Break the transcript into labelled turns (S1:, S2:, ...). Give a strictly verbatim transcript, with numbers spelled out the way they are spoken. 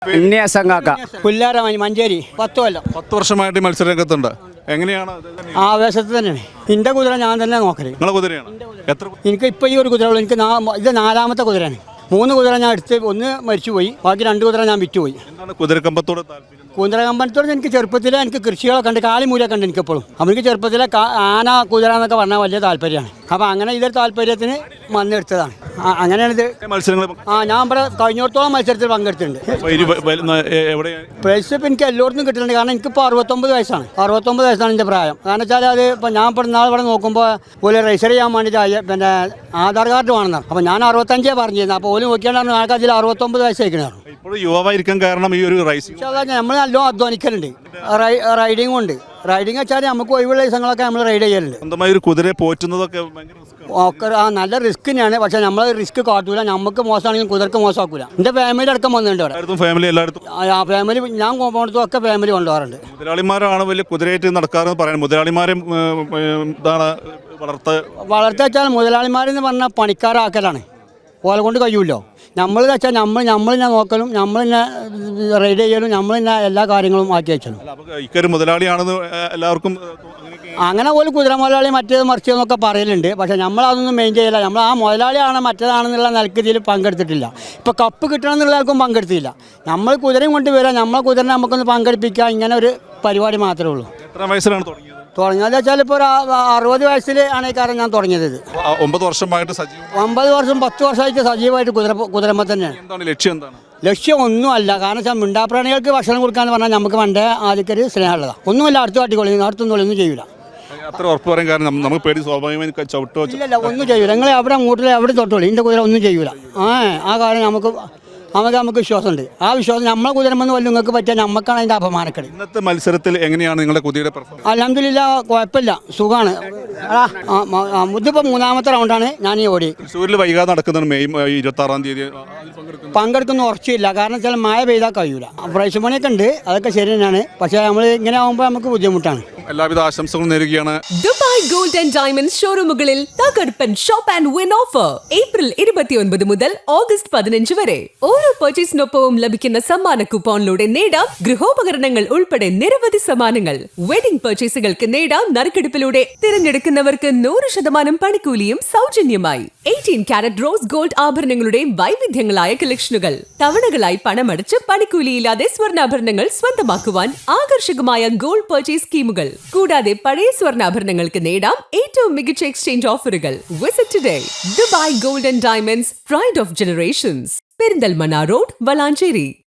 S1: പുല്ലാരമണി മഞ്ചേരി പത്ത് കൊല്ലം
S2: പത്ത് വർഷമായിട്ട് ഈ മത്സരരംഗത്തുണ്ട്. എങ്ങനെയാണ്?
S1: ആവേശത്തിൽ തന്നെയാണ്. എൻ്റെ കുതിര ഞാൻ തന്നെ നോക്കല്.
S2: നിങ്ങളെ കുതിരയാണ്? എത്ര?
S1: എനിക്ക് ഇപ്പോൾ ഈ ഒരു കുതിര ഉള്ളൂ. എനിക്ക് ഇത് നാലാമത്തെ കുതിരയാണ്. മൂന്ന് കുതിര ഞാൻ എടുത്ത് ഒന്ന് മരിച്ചുപോയി, ബാക്കി രണ്ട് കുതിര ഞാൻ വിറ്റുപോയി.
S2: എന്താണ് കുതിരക്കമ്പത്തോട് താല്പര്യം?
S1: കുതിരകമ്പനത്തോട് എനിക്ക് ചെറുപ്പത്തിലെ എനിക്ക് കൃഷികളൊക്കെ ഉണ്ട്, കാളിമൂലൊക്കെ ഉണ്ട് എനിക്കെപ്പോഴും. അപ്പോൾ എനിക്ക് ചെറുപ്പത്തിലെ ആന കുതിര എന്നൊക്കെ പറഞ്ഞാൽ വലിയ താല്പര്യമാണ്. അപ്പോൾ അങ്ങനെ ഇതൊരു താല്പര്യത്തിന് വന്നെടുത്തതാണ്. അങ്ങനെയാണ് ഇത്
S2: മത്സരങ്ങൾ. ആ
S1: ഞാൻ ഇവിടെ കഴിഞ്ഞോടത്തോളം മത്സരത്തിൽ പങ്കെടുത്തിട്ടുണ്ട്. പ്രൈസ് ഇപ്പം എനിക്ക് എല്ലായിടത്തും കിട്ടുന്നുണ്ട്. കാരണം എനിക്കിപ്പോൾ അറുപത്തൊമ്പത് വയസ്സാണ് അറുപത്തൊമ്പത് വയസ്സാണ് എൻ്റെ പ്രായം. കാരണം വെച്ചാൽ അത് ഇപ്പോൾ ഞാൻ ഇപ്പോൾ നാളെ ഇവിടെ നോക്കുമ്പോൾ ഒരു രജിസ്റ്റർ ചെയ്യാൻ വേണ്ടിയിട്ട് പിന്നെ ആധാർ കാർഡ് വേണമെന്നാണ്. അപ്പോൾ ഞാൻ അറുപത്തഞ്ചേ പറഞ്ഞിരുന്നു. അപ്പോൾ ഓല് നോക്കിയാൽ ആൾക്കാർ അതിൽ അറുപത്തൊമ്പത് വയസ്സായിരിക്കണം.
S2: ഇപ്പോൾ യുവാവായിരിക്കാൻ കാരണം ഈ ഒരു റൈസിംഗ്
S1: നമ്മൾ നല്ലോണം അധ്വാനിക്കലുണ്ട്. റൈഡിങ്ങും ഉണ്ട്. റൈഡിങ് വെച്ചാൽ നമുക്ക് ഒഴിവുള്ള ദിവസങ്ങളൊക്കെ നമ്മൾ റൈഡ് ചെയ്യലുണ്ട്.
S2: സ്വന്തമായി ഒരു കുതിരയെ പോറ്റുന്നതൊക്കെ
S1: ഒക്കെ ആ നല്ല റിസ്ക് തന്നെയാണ്. പക്ഷെ നമ്മൾ റിസ്ക് കാട്ടൂല. നമുക്ക് മോശമാണെങ്കിലും കുതിർക്ക് മോശമാക്കൂല. എൻ്റെ ഫാമിലി അടക്കം വന്നിട്ടുണ്ട് ഇവിടെ.
S2: ഫാമിലി എല്ലായിടത്തും ആ
S1: ഫാമിലി ഞാൻ പോകുന്നിടത്തും ഒക്കെ ഫാമിലി കൊണ്ടുപോകാറുണ്ട്.
S2: മുതലാളിമാരാണ് വലിയ കുതിരയായിട്ട് നടക്കാറെന്ന് പറയുന്നത്. മുതലാളിമാരും ഇതാണ് വളർത്ത
S1: വളർത്ത വെച്ചാൽ മുതലാളിമാരെന്ന് പറഞ്ഞാൽ പണിക്കാരാക്കലാണ്. ഓലെ കൊണ്ട് കഴിയുമല്ലോ. നമ്മൾ വെച്ചാൽ നമ്മൾ നമ്മൾ തന്നെ നോക്കലും നമ്മൾ തന്നെ റൈഡ് ചെയ്യലും നമ്മൾ തന്നെ എല്ലാ കാര്യങ്ങളും ആക്കി വെച്ചാലും
S2: മുതലാളിയാണെന്ന് എല്ലാവർക്കും
S1: അങ്ങനെ പോലും കുതിര മുതലാളി മറ്റേത് മറിച്ചതെന്നൊക്കെ പറയലുണ്ട്. പക്ഷേ നമ്മളതൊന്നും മെയിൻ ചെയ്യില്ല. നമ്മൾ ആ മുതലാളിയാണ് മറ്റേതാണെന്നുള്ള നിലക്ക് ഇതിൽ പങ്കെടുത്തിട്ടില്ല. ഇപ്പോൾ കപ്പ് കിട്ടണം എന്നുള്ളവർക്കും പങ്കെടുത്തില്ല. നമ്മൾ കുതിരയും കൊണ്ട് വരാം, നമ്മളെ കുതിരനെ നമുക്കൊന്ന് പങ്കെടുപ്പിക്കുക, ഇങ്ങനെ ഒരു പരിപാടി മാത്രമേ ഉള്ളൂ.
S2: എത്ര വയസ്സിലാണ് തുടങ്ങിയത്?
S1: തുടങ്ങിയത് വെച്ചാൽ ഇപ്പോൾ ഒരു അറുപത് വയസ്സിൽ ആണ് ഈ കാര്യം ഞാൻ തുടങ്ങിയത്.
S2: ഒമ്പത് വർഷമായിട്ട് സജീവം
S1: ഒമ്പത് വർഷം പത്ത് വർഷമായിട്ട് സജീവമായിട്ട് കുതിര കുതിരമ്മ തന്നെയാണ്.
S2: എന്താണ് ലക്ഷ്യം? എന്താണ്
S1: ലക്ഷ്യം? ഒന്നുമല്ല. കാരണം വെച്ചാൽ മിണ്ടാപ്രാണികൾക്ക് ഭക്ഷണം കൊടുക്കാന്ന് പറഞ്ഞാൽ നമുക്ക് പണ്ടേ ആദ്യമൊരു സ്നേഹമുള്ളതാണ്. ഒന്നുമില്ല, അടുത്ത് കാട്ടിക്കൊള്ളി അടുത്തൊന്നും ഒന്നും ചെയ്യൂല.
S2: അത്ര ഉറപ്പ് പറയാൻ കാരണം നമുക്ക് പേടി സ്വാഭാവികമായി ചവിട്ടോ
S1: ഇല്ലല്ല, ഒന്നും ചെയ്യൂല. നിങ്ങൾ എവിടെ അങ്ങോട്ടില്ല എവിടെ തൊട്ടോളൂ, ഇതിൻ്റെ കുതിര ഒന്നും ചെയ്യൂല. ആ ആ കാര്യം നമുക്ക് നമുക്ക് നമുക്ക് വിശ്വാസമുണ്ട്. ആ വിശ്വാസം നമ്മളെ കുതിരമെന്ന് വല്ല നിങ്ങൾക്ക് പറ്റിയാൽ നമുക്കാണ് അതിൻ്റെ അപമാനക്കേട്.
S2: ഇന്നത്തെ മത്സരത്തിൽ എങ്ങനെയാണ് നിങ്ങളുടെ കുതിരയുടെ പെർഫോമൻസ്?
S1: അൽഹംദുലില്ലാ കുഴപ്പമില്ല, സുഖമാണ്. ഇതിപ്പോൾ മൂന്നാമത്തെ റൗണ്ടാണ് ഞാൻ ഈ ഓടി.
S2: തൃശ്ശൂരിൽ വൈകാതെ നടക്കുന്നതാണ് മെയ് ഇരുപത്തി ആറാം തീയതി.
S1: പങ്കെടുക്കുന്ന ഉറച്ചില്ല. കാരണം വെച്ചാൽ മഴ പെയ്താൽ കഴിയൂല. പ്രൈസ് മണിയൊക്കെ ഉണ്ട്, അതൊക്കെ ശരി തന്നെയാണ്. പക്ഷേ നമ്മൾ ഇങ്ങനെ ആകുമ്പോൾ നമുക്ക് ബുദ്ധിമുട്ടാണ്.
S2: എല്ലാവിധ ആശംസകളും നേരുകയാണ്.
S3: ദുബായ് ഗോൾഡ് ആൻഡ് ഡയമണ്ട്സ് ഷോറൂമുകളിൽ തകർപ്പൻ shop and win offer April ഇരുപത്തിയൊൻപത് മുതൽ ഓഗസ്റ്റ് പതിനഞ്ച് വരെ. ഓരോ പർച്ചേസിനൊപ്പവും ലഭിക്കുന്ന സമ്മാന കൂപ്പോണിലൂടെ നേടാം ഗൃഹോപകരണങ്ങൾ ഉൾപ്പെടെ നിരവധി സമ്മാനങ്ങൾ. വെഡിംഗ് പർച്ചേസുകൾക്ക് നേടാം നറുക്കെടുപ്പിലൂടെ തിരഞ്ഞെടുക്കുന്നവർക്ക് നൂറ് ശതമാനം പണിക്കൂലിയും സൗജന്യമായി. എയ്റ്റീൻ കാരറ്റ് റോസ് ഗോൾഡ് ആഭരണങ്ങളുടെ വൈവിധ്യങ്ങളായ കളക്ഷനുകൾ. തവണകളായി പണമടച്ച് പണിക്കൂലിയില്ലാതെ സ്വർണ്ണാഭരണങ്ങൾ സ്വന്തമാക്കുവാൻ ആകർഷകമായ ഗോൾഡ് പർച്ചേസ് സ്കീമുകൾ. കൂടാതെ പഴയ സ്വർണ്ണാഭരണങ്ങൾക്ക് നേടാം ഏറ്റവും മികച്ച എക്സ്ചേഞ്ച് ഓഫറുകൾ. Visit today. Dubai gold and diamonds, pride of generations, Perinthalmanna road, Valanchery.